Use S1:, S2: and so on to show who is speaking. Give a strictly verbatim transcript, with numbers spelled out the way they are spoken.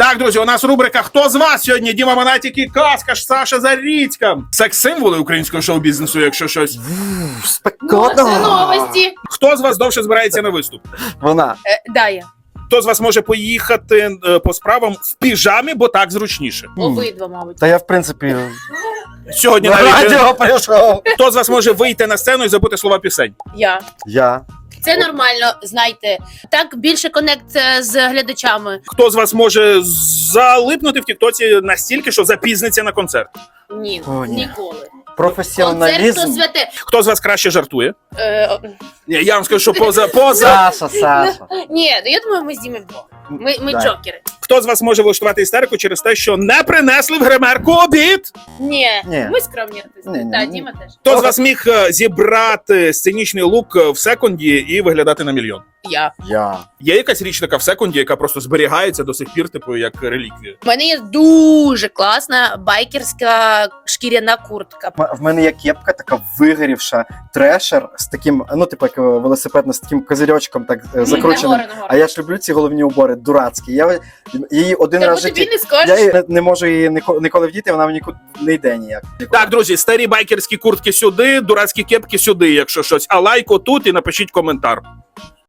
S1: Так, друзі, у нас рубрика «Хто з вас сьогодні?» Діма Монатік і Каскаш, Саша Заріцька. Секс-символи українського шоу-бізнесу, якщо щось.
S2: Спекотно.
S3: Новості.
S1: Хто з вас довше збирається на виступ?
S2: Вона.
S3: Е, Дая.
S1: Хто з вас може поїхати е, по справам в піжамі, бо так зручніше?
S3: Обидва, мабуть.
S2: Та я, в принципі,
S1: Сьогодні
S2: на
S1: навіть... е,
S2: радіо прийшов.
S1: Хто з вас може вийти на сцену і забути слова пісень?
S3: Я.
S2: Я.
S3: Це нормально, знайте. Так більше конект е, з глядачами.
S1: Хто з вас може залипнути в тіктоці настільки, що запізниться на концерт?
S3: Ні,
S2: О, ні.
S3: ніколи. Концерт то
S2: Професіоналізм.
S3: святе.
S1: Хто з вас краще жартує?
S3: Е,
S1: Ні, я вам скажу, що поза поза.
S2: Саша, Саша.
S3: ні, ну я думаю, ми з Дімою вдвох. Ми, ми
S2: Да.
S3: джокери.
S1: Хто з вас може влаштувати істерику через те, що не принесли в гримерку обід?
S3: Ні,
S2: Ні.
S3: ми скромні артисти.
S2: Ні, ні,
S3: Так,
S2: ні.
S3: Діма теж.
S1: Хто з вас міг е, зібрати сценічний лук в секунді і виглядати на мільйон?
S3: Я.
S2: Я.
S1: Є якась річ така в секунді, яка просто зберігається до сих пір, типу, як реліквія?
S3: У мене є дуже класна байкерська шкіряна куртка.
S2: М- В мене є кепка, така вигорівша, трешер з таким, ну, типу, як велосипедна, з таким козирьочком, так е, закрученим.
S3: Нагору, нагору.
S2: А я ж люблю ці головні убори, дурацькі. Я її один
S3: Та
S2: раз в
S3: бо тобі
S2: житті.
S3: не скажеш.
S2: Я її не, не можу її ніко- ніколи вдіти, вона нікуди не йде ніяк.
S1: Так, друзі, старі байкерські куртки сюди, дурацькі кепки сюди, якщо щось. А лайк отут і напишіть коментар.